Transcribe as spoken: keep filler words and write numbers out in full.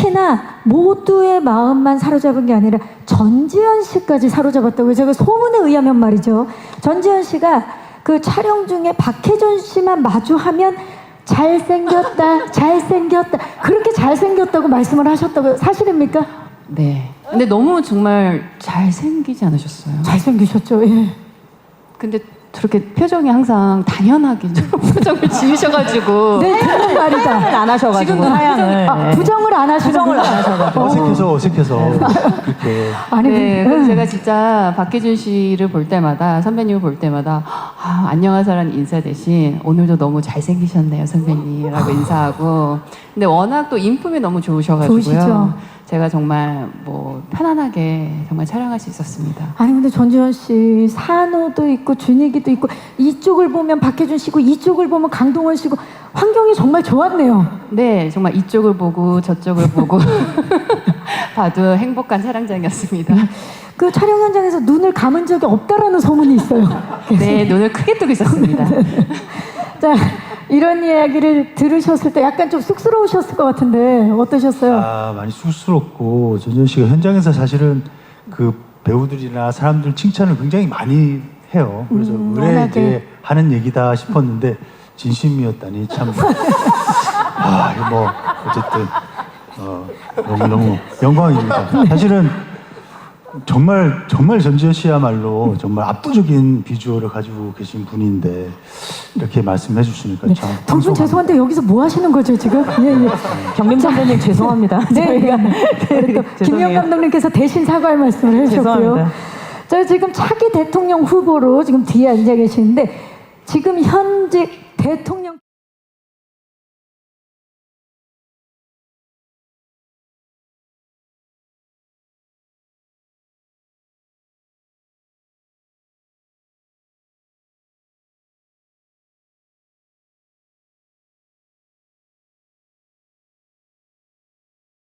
특히나 모두의 마음만 사로잡은 게 아니라 전지현 씨까지 사로잡았다고요. 제가 소문에 의하면 말이죠. 전지현 씨가 그 촬영 중에 박해준 씨만 마주하면 잘생겼다, 잘생겼다, 그렇게 잘생겼다고 말씀을 하셨다고요. 사실입니까? 네. 근데 너무 정말 잘생기지 않으셨어요? 잘생기셨죠. 예. 근데 저렇게 표정이 항상 당연하게 저런 표정을 지으셔가지고. 네, 그런 말이다. 안 하셔가지고 지금도 하양을 아, 부정을 안 하시는 부정을 안 하셔가지고 어색해서 어색해서 그렇게 아니, 네, 근데, 그래서 제가 진짜 박해준 씨를 볼 때마다, 선배님을 볼 때마다 아, 안녕하세요라는 인사 대신 오늘도 너무 잘생기셨네요 선배님이라고 인사하고. 근데 워낙 또 인품이 너무 좋으셔가지고요. 좋으시죠. 제가 정말 뭐 편안하게 정말 촬영할 수 있었습니다. 아니 근데 전지현 씨 산호도 있고 준익이도 있고 이쪽을 보면 박해준 씨고 이쪽을 보면 강동원 씨고 환경이 정말 좋았네요. 네, 정말 이쪽을 보고 저쪽을 보고 봐도 행복한 촬영장이었습니다. 그 촬영 현장에서 눈을 감은 적이 없다라는 소문이 있어요. 네, 눈을 크게 뜨고 있었습니다. 자, 이런 이야기를 들으셨을 때 약간 좀 쑥스러우셨을 것 같은데 어떠셨어요? 아 많이 쑥스럽고 전지현 씨가 현장에서 사실은 그 배우들이나 사람들 칭찬을 굉장히 많이 해요. 그래서 음, 왜 워낙에. 이제 하는 얘기다 싶었는데 진심이었다니 참. 아 이거 뭐 어쨌든 어, 너무 너무 영광입니다. 사실은 정말 정말 전지현 씨야말로 정말 압도적인 비주얼을 가지고 계신 분인데 이렇게 말씀해 주시니까 참. 두 분 방송합니다. 죄송한데 여기서 뭐 하시는 거죠 지금? 예, 예. 경림 선배님 죄송합니다. 네, 저희가 우리 또 김영 죄송해요. 감독님께서 대신 사과할 말씀을 해주셨고요. 죄송합니다. 저 지금 차기 대통령 후보로 지금 뒤에 앉아 계시는데 지금 현직 대통령